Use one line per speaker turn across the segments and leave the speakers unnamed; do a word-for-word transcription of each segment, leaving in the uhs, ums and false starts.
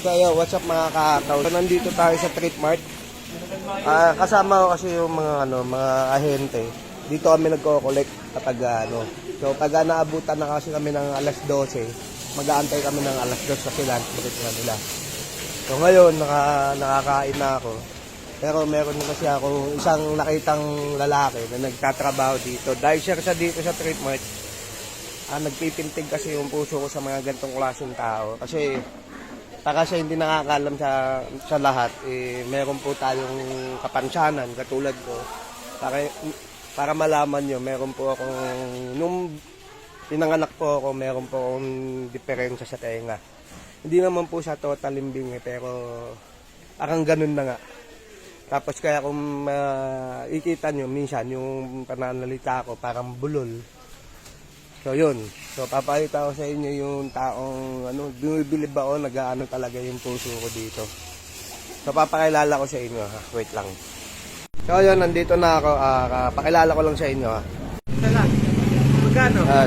So yo, what's up mga kakataw? So, nandito tayo sa Trip Mart. Uh, kasama ko kasi yung mga ano, mga ahente. Dito kami nagko-collect kapag ano. So pag naabutan na kasi kami ng alas dose, mag-aantay kami ng alas dos kasi lunch break na nila. So ngayon naka, nakakain na ako. Pero meron kasi ako isang nakitang lalaki na nagtatrabaho dito. Dahil siya sa dito sa Trip Mart, ah, nagpipintig kasi yung puso ko sa mga ganitong klaseng tao. Kasi para siya hindi nakakaalam sa, sa lahat, eh, meron po tayong kapansanan katulad ko. Para, para malaman nyo, meron po akong, nung pinanganak po ako, meron po akong diferensya sa tenga. Hindi naman po siya total limbing eh, pero parang ganun na nga. Tapos kaya kung uh, ikita nyo, minsan yung pananalita ko parang bulol. So yun, so papakita ko sa inyo yung taong ano, bumibili ba o nag-aano talaga yung puso ko dito. So papakilala ko sa inyo ha, wait lang. So yun, nandito na ako, uh, pakilala ko lang sa inyo ha. Ito lang, magkano? Yan.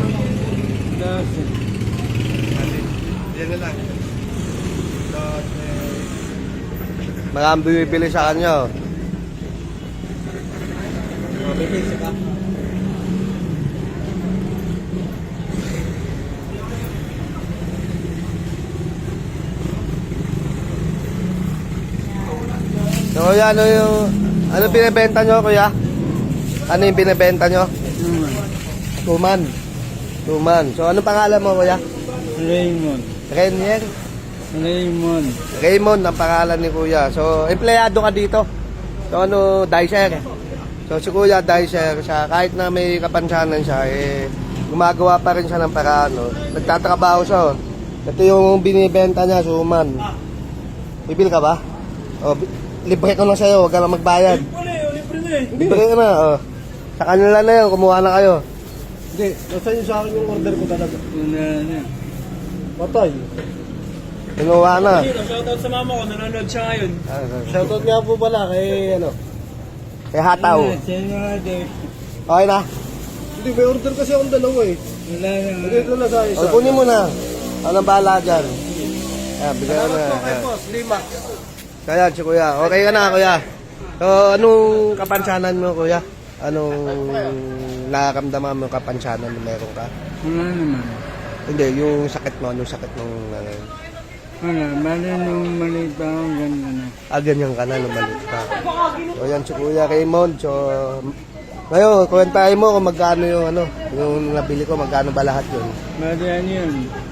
Yan na lang. Maraming bumibili sa kanya. Mabibili ka? So kuya, ano yung, ano binibenta nyo kuya? Ano yung binibenta nyo? Tuman. Tuman. So ano pangalan mo kuya?
Raymond.
Renier?
Raymond.
Raymond ang pangalan ni kuya. So empleyado ka dito? So ano, dicer? So si kuya dicer siya, kahit na may kapansanan siya, eh gumagawa pa rin siya ng paraan. No? Nagtatrabaho siya. Oh. Ito yung binibenta niya, suman. Bibil ka ba? O, libre ko na sa'yo, huwag ka na magbayad.
Libre na eh.
Libre ka na, oh. Sa kanila na yun, kumuha na kayo.
Hindi, nasa yun sa akin yung order ko talaga. Wala na. Patay.
Kinuha na.
Shoutout sa mama ko, nanonood siya ngayon.
Ah,
Shoutout nga po pala kay ano.
kay Hataw. Okay na?
Hindi, may order kasi akong dalawa eh. Wala na. Dito na sa isa.
O, kunin mo na. Ano bahala dyan? Ayan, bigyan ko na.
Salamat po kay boss, lima.
Kaya, si kuya. Okay ka na, kuya. So, anong kapansanan mo, kuya? Anong nakakamdaman mo kapansanan na meron ka?
Wala naman.
Hindi, yung sakit mo, anong sakit mong... Uh,
Wala, bali nung maliit pa ako, ganyan na.
ah, ganyan ka na, nung maliit ka. So, yan si kuya Raymond. So, ngayon, kwentahin mo kung magkano yung ano, yung nabili ko, magkano ba lahat yun?
Bali ano yun?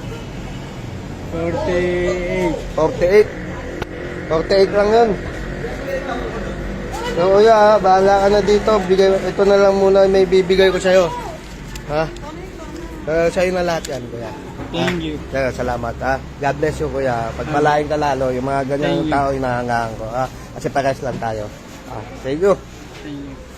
forty-eight.
forty-eight. forty-eight lang yun. So kuya, ha, bahala ka na dito. Bigay, ito na lang muna may bibigay ko sa'yo. Ha? Uh, sa'yo na lahat yan, kuya.
Thank you.
Kaya, salamat, ha. God bless you, kuya. Pagpalain ka lalo, yung mga ganyang tao, inahangaan ko, ha. Kasi pares lang tayo. Ha. Thank you.
Thank you.